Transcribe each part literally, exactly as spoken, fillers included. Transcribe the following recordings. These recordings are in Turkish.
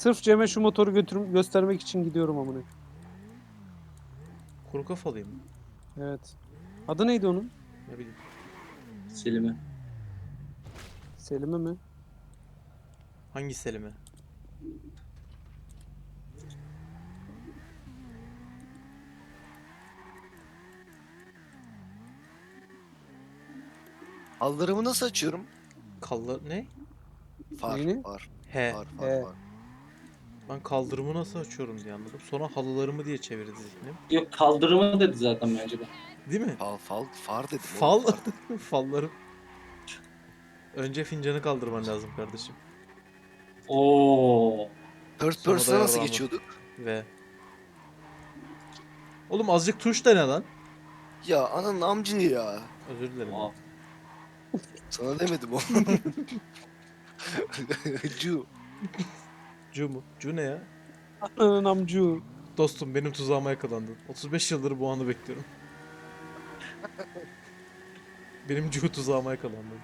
Sırf Cem'e şu motoru götürüm göstermek için gidiyorum amına. Kuru kafalıyım. Evet. Adı neydi onun? Ne bileyim. Selim'e. Selim'e mi? Hangi Selim'e? Halılarımı nasıl açıyorum? Kallar ne? Far, Neyini? far, He. far, far, He. far. Ben kaldırımı nasıl açıyorum diye anladım. Sonra halılarımı diye çevirdi zihnim. Yok kaldırımı dedi zaten bence de. Değil mi? Fal, fal, far dedim. Fal. oğlum, far dedim. Fallarım. Önce fincanı kaldırman lazım kardeşim. Oo. Third Sonra da person'a nasıl yarrağımı. geçiyorduk? Ve. Oğlum azıcık tuş dene lan. Ya ananın amcı ya. Özür dilerim. Wow. Sana demedim oğlum. Cu. Cu mu? Cu ne ya? Ananın amcu. Dostum benim tuzağıma yakalandın. otuz beş yıldır bu anı bekliyorum. Benim Cu tuzağıma yakalandın.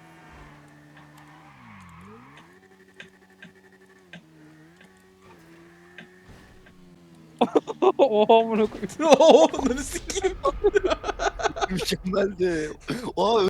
Oha amına koyayım. Ooo, ne sikeyim. Mükemmeldi. Aa